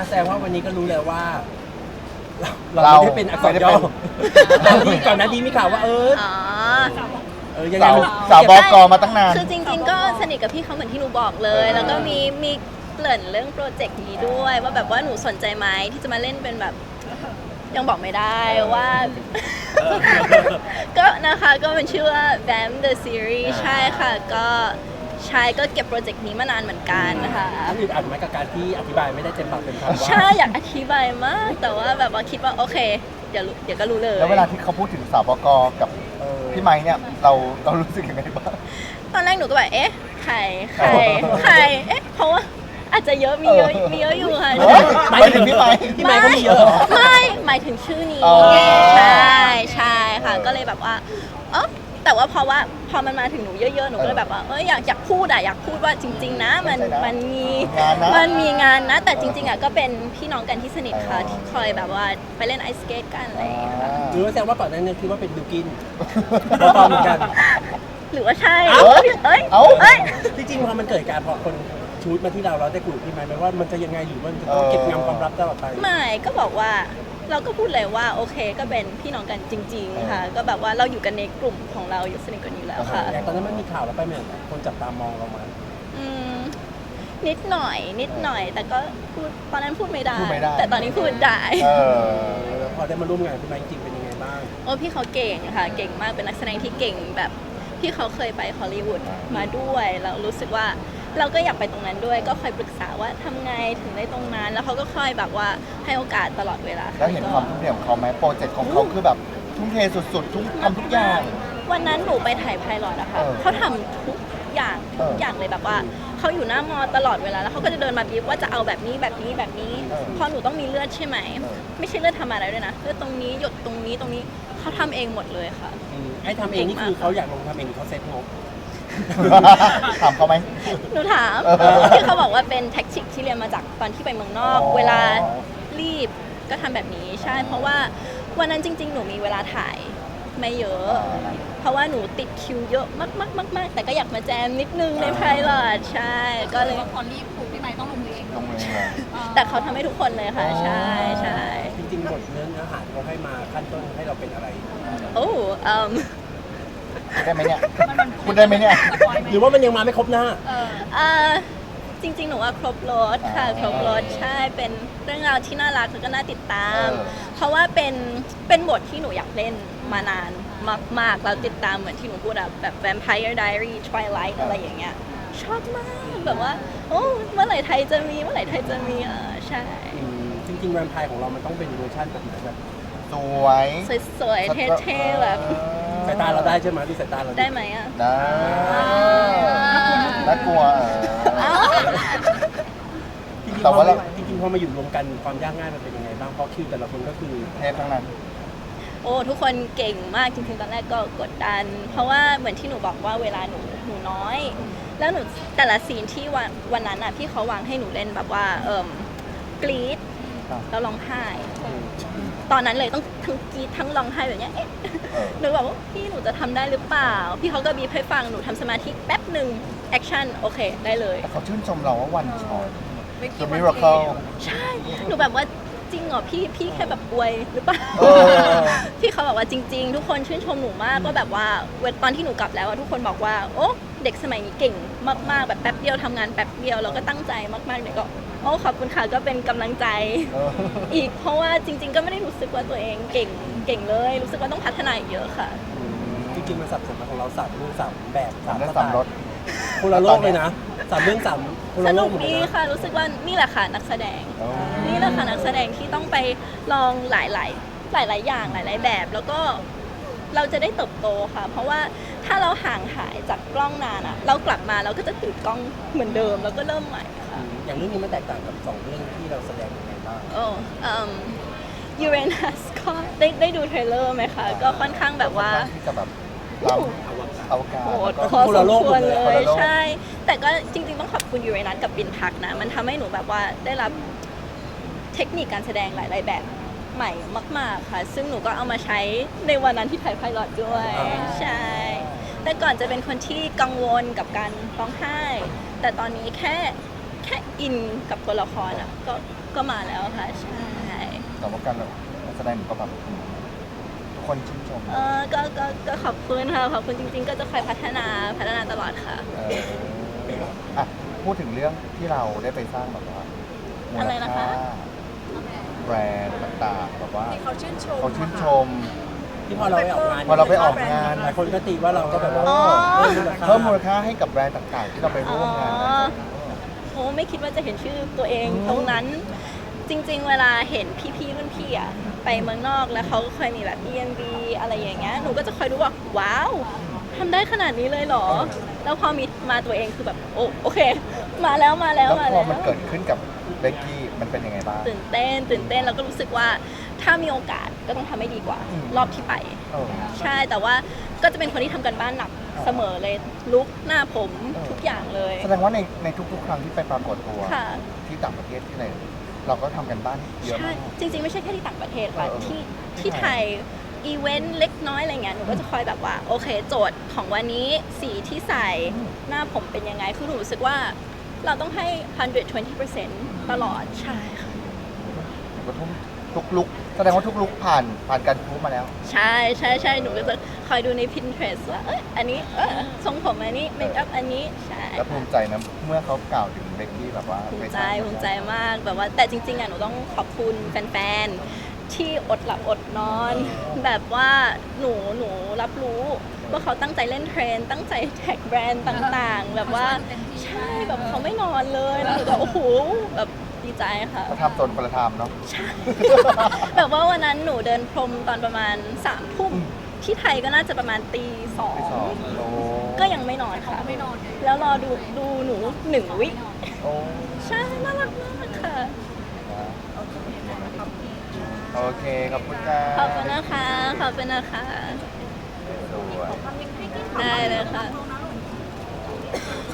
แสดงว่าวันนี้ก็รู้แล้วว่าเราไม่ได้เป็นอักษรย่อแต่ที่ก่อนหน้านี้มีข่าวว่าอ๋อยังไงสาวบกมาตั้งนานคือจริงๆก็สนิทกับพี่เขาเหมือนที่หนูบอกเลย แล้วก็มีเกริ่นเรื่องโปรเจกต์นี้ด้วยว่าแบบว่าหนูสนใจไหมที่จะมาเล่นเป็นแบบยังบอกไม่ได้ว่า ก็นะคะก็เป็นชื่อว่า Vamp the Series ใช่ค่ะก็ใช่ก็เก็บโปรเจกต์นี้มานานเหมือนกันนะคะอึดอัดไหมกับการที่อธิบายไม่ได้เต็มปากเต็มคำว่าใช่อยากอธิบายมาก แต่ว่าแบบว่าคิดว่าโอเคเดี๋ยวก็รู้เลยแล้วเวลาที่เขาพูดถึงสาวบกกับพี่ไม้เนี่ยเรารู้สึกยังไงบ้างตอนแรกหนูก็แบบเอ๊ะใครเอ๊ะเพราะว่าอาจจะเยอะมีเยอะอยู่ค่ะหมายถึงพี่ไม้พี่ไมค์ก็มีเยอะเหรอไม่หมายถึงชื่อนี้อ๋อใช่ค่ะก็เลยแบบว่าเออแต่ว่าพอมันมาถึงหนูเยอะๆหนูก็เลยแบบว่าอยากพูดว่าจริงๆนะมันมีงานนะแต่จริงๆอ่ะก็เป็นพี่น้องกันที่สนิทค่ะที่คอยแบบว่าไปเล่นไอสเกตกันอะไรอย่างเงี้ยค่ะหรือว่าแสดงว่าก่อนหน้านี้คิดว่าเป็นบิวกินพอเหมือนกันหรือว่าใช่เอ้ยเอ้ยที่จริงพอมันเกิดการพอคนชูดมาที่เราได้คุยกับพี่ไมค์ไหมว่ามันจะยังไงหรือมันจะต้องเก็บงำความลับตลอดไปไม่ก็บอกว่าเราก็พูดเลยว่าโอเคก็เป็นพี่น้องกันจริงๆค่ะก็แบบว่าเราอยู่กันในกลุ่มของเราอยู่สนิทกันอยู่แล้วค่ะอย่างตอนนั้นมันมีข่าวแล้วไปเหมือนคนจับตามองเรามาอืมนิดหน่อยแต่ก็พูดตอนนั้นพูดไม่ได้พูดไม่ได้แต่ตอนนี้พูดได้พอได้มาร่วมงานพี่ไมค์จริงเป็นยังไงบ้างโอ้พี่เขาเก่งค่ะเก่งมากเป็นนักแสดงที่เก่งแบบพี่เขาเคยไปฮอลลีวูดมาด้วยแล้วรู้สึกว่าเราก็อยากไปตรงนั้นด้วยก็คอยปรึกษาว่าทำไงถึงได้ตรงนั้น แล้วเขาก็คอยแบบว่าให้โอกาสตลอดเวลาแล้วเห็นความทุ่มเทของเขาไหมโปรเจกต์ของเขาคือแบบทุ่มเทสุดๆทำทุกอย่างวันนั้นหนูไปถ่ายไพลอตอะค่ะเออเขาทำทุกอย่างเลยแบบว่าเขาอยู่หน้ามอตลอดเวลาแล้วเขาก็จะเดินมาบีบว่าจะเอาแบบนี้พอหนูต้องมีเลือดใช่ไหมไม่ใช่เลือดธรรมดาด้วยนะเลือดตรงนี้หยดตรงนี้เขาทำเองหมดเลยค่ะให้ทำเองนี่คือเขาอยากลงทำเองหรือเขาเซ็ตงบถามเขาไหมหนูถาม ที่เขาบอกว่าเป็นแท็กติกที่เรียนมาจากตอนที่ไปเมืองนอกอ๋อเวลารีบก็ทำแบบนี้ใช่ เพราะว่าวันนั้นจริง ๆ หนูมีเวลาถ่ายไม่เยอะ เพราะว่าหนูติดคิวเยอะมากๆแต่ก็อยากมาแจมนิดนึงในไพลอตใช่ก็เลยพอรีบปุ๊บพี่ไมค์ต้องลงมือเองลงมือเลยแต่เขาทำให้ทุกคนเลยค่ะใช่ใช่จริงๆบทเนื้อหาที่เขาให้มาขั้นต้นให้เราเป็นอะไรโอ้พูดได้ไหมเนี่ยพูดได้ไหมเนี่ยหรือว่ามันยังมาไม่ครบหน้าจริงๆ หนูว่าครบรถค่ะครบรถใช่เป็นเรื่องราวที่น่ารักแล้วก็น่าติดตาม เพราะว่าเป็นบทที่หนูอยากเล่นมานานมากๆแล้วติดตามเหมือนที่หนูพูดอะแบบ Vampire Diary Twilight อะไรอย่างเงี้ยชอบมากแบบว่าโอ้เมื่อไหร่ไทยจะมีใช่จริงๆแวมไพร์ของเรามันต้องเป็นเวอร์ชันแบบไหนแบบสวยสวยๆเท่ๆแบบสายตาเราได้ใช่ไหมดูสายตาเราได้ไหมอะได้น่ากลัวจริงๆแต่ว่าเราจริงๆพอมาอยู่รวมกันความยากง่ายมันเป็นยังไงบ้างเพราะคิวแต่ละคนก็คือเทพทั้งนั้นโอ้ทุกคนเก่งมากจริงๆตอนแรกก็กดดัน เพราะว่าเหมือนที่หนูบอกว่าเวลาหนูน้อย แล้วหนูแต่ละซีนที่วันนั้นอ่ะพี่เขาวางให้หนูเล่นแบบว่ากรี๊ดครับแล้วร้องไห้ ตอนนั้นเลยต้องทั้งกรี๊ดทั้งร้องไห้แบบเนี้ยเอ๊ะหนูแบบว่าพี่หนูจะทำได้หรือเปล่า พี่เขาก็บีบให้ฟังหนูทำสมาธิแป๊บหนึ่งแอคชั่นโอเคได้เลยแต่เขาชื่นชมเราว่าวันช็อตไม่คิ The ดว่า Miracle ใช่ หนูแบบว่าจริงเหรอพี่แค่แบบอวยหรือเปล่าเออพี่เขาบอกว่าจริง ๆ ทุกคนชื่นชมหนูมากก็แบบว่าตอนที่หนูกลับแล้วอะทุกคนบอกว่าโอ้เด็กสมัยนี้เก่งมากๆแบบแป๊บเดียวทำงานแป๊บเดียวแล้วก็ตั้งใจมากๆเนี่ยก็โอ้ขอบคุณค่ะก็เป็นกำลังใจเอออีกเพราะว่าจริง ๆ ก็ไม่ได้รู้สึกว่าตัวเองเก่งเลย รู้สึกว่าต้องพัฒนาอีกเยอะค่ะจริงๆมันสับสนมาของเราสามเรื่องสามแบบสามได้สไตสามรถล์คนละโลกเลยนะสามเรื่องสามคนสละโลนุกกหมดเลดียนะค่ะ รู้สึกว่านี่แหละค่ะนักแสดงอ๋อนี่แหละค่ะนักแสดงที่ต้องไปลองหลายอย่างหลายแบบ แล้วก็เราจะได้เติบโตค่ะ เพราะว่าถ้าเราห่างหายจากกล้องนานอะเรากลับมาเราก็จะติดกล้องเหมือนเดิมแล้วก็เริ่มใหม่ค่ะอย่างเรื่องนี้มันแตกต่างกับสองเรื่องที่เราแสดงยังไงบ้างโอ้ยูเรนัสก็ได้ดูเทรลเลอร์ไหมคะ ก็ค่อนข้างแบบว่าที่จะแบบทำอวกาศโหดแล้วพก็อสมควรเลคนยละโลกใช่ แต่ก็จริงๆต้องขอบคุณยูเรนัสกับปินพักนะ มันทำให้หนูแบบว่าได้รับเทคนิคการแสดงหลายๆแบบใหม่มากๆค่ะ ซึ่งหนูก็เอามาใช้ในวันนั้นที่ถ่ายไพลอตด้วย ใช่ แต่ก่อนจะเป็นคนที่กังวลกับการร้องไห้ แต่ตอนนี้แค่แค่อินกับตัวละครอ่ะก็มาแล้วค่ะใช่แต่ว่าการแสดงก็แบบทุกคนชื่นชมก็ขอบคุณค่ะขอบคุณจริงๆ ก็จะคอยพัฒนาตลอดค่ะอ่ะพูดถึงเรื่องที่เราได้ไปสร้างแบบว่ามูอะไรลนะคะค่าแบรนด์ต่างๆแบบว่าที่เขาชื่นชมเขาชื่นชมที่พอเราไปออกงานพอเราไปออกงานหลายคนก็ตีว่าเราก็แบบว่าอ๋อเพิ่มมูลค่าให้กับแบรนด์ต่างๆ ที่เราไปร่วมงานนะโอ้ไม่คิดว่าจะเห็นชื่อตัวเองตรงนั้น จริงๆ เวลาเห็นพี่ๆรุ่นพี่อะไปเมืองนอกแล้วเขาก็เคยมีแบบ EMV อะไรอย่างเงี้ยหนูก็จะคอยดูว่าว้าวทำได้ขนาดนี้เลยเหรอ แล้วพอมีมาตัวเองคือแบบโอเค มาแล้วแล้วพอมันเกิดขึ้นกับเบกกี้มันเป็นยังไงบ้างตื่นเต้นแล้วก็รู้สึกว่าถ้ามีโอกาสก็ต้องทำให้ดีกว่าอืมรอบที่ไปเออใช่แต่ว่าก็จะเป็นคนที่ทำกันบ้านหนักเสมอเลยลุกหน้าผมทุกอย่างเลยแสดงว่าในทุกๆ ครั้งที่ไปปรากฏตัวค่ะที่ต่างประเทศที่ไหนเราก็ทำกันบ้านเยอะใช่มากจริงๆ ไม่ใช่แค่ที่ต่างประเทศค่ะเออที่ไทยอีเวนต์เล็กน้อยอะไรเงี้ยหนูก็จะคอยแบบว่าโอเคโจทย์ของวันนี้สีที่ใส่หน้าผมเป็นยังไงคือหนูรู้สึกว่าเราต้องให้ 120% ตลอดใช่ค่ะก็ทุกลุกแสดงว่าทุกลุกผ่านการพูดมาแล้วใช่หนูก็จะคอยดูใน Pinterest ว่าอันนี้ทรงผมอันนี้เมคอัพอันนี้ใช่แล้วภูมิใจนะเมื่อเขากล่าวถึงเบกกี้แบบว่าภูไปมิสใจร้างภูมิใจมากแบบว่าแต่จริงๆอ่ะหนูต้องขอบคุณแฟนๆที่อดหลับอดนอน แบบว่าหนูรับรู้ว่าเขาตั้งใจเล่นเทรนด์ตั้งใจแท็กแบรนด์ต่างๆ แบบว่าใช่แบบเขาไม่นอนเลยแล้วหนูก็โอ้โหแบบดีใจค่ะเขาทำตนคนละทำเนาะใช่ แบบว่าวันนั้นหนูเดินพรมตอนประมาณ3 ทุ่มที่ไทยก็น่าจะประมาณตีที่สอง 2 โอ้ก็ยังไม่นอนค่ะไม่นอนแล้วรอดูหนู1 วิโอ้ใช่ น่ารักมากค่ะโอเคขอบคุณครับขอบคุณนะคะ ขอบคุณนะคะสวยได้เลยค่ะใช่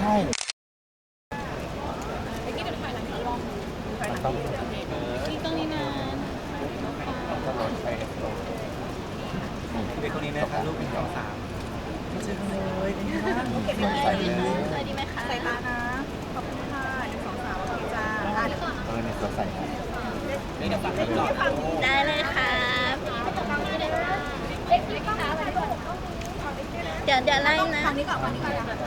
ไปกี้เดี๋ยวถ่ายหลังจากลองต้องที่ตรงนี้นะต้องรถไอเอสโเป็นคนนี้นะครับลูกเป็น2 3ไม่ใช่เลยนะใส่เลยสวัสดีไหมคะใส่ตานะ ขอบคุณค่ะ1 2 3โอเคจ้าเดี๋ยวก่อนเนี่ยตัวใส่นะนี่เดี๋ยวฟังให้ก่อนได้เลยค่ะเดี๋ยวไล่นะฝั่งนี้ก่อนฝั่งนี้ก่อนนะคะ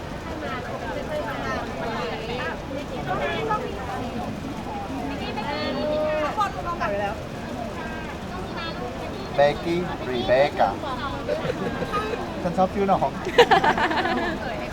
เบกกี้รีเบคอะฉันชอบชื่อน้อง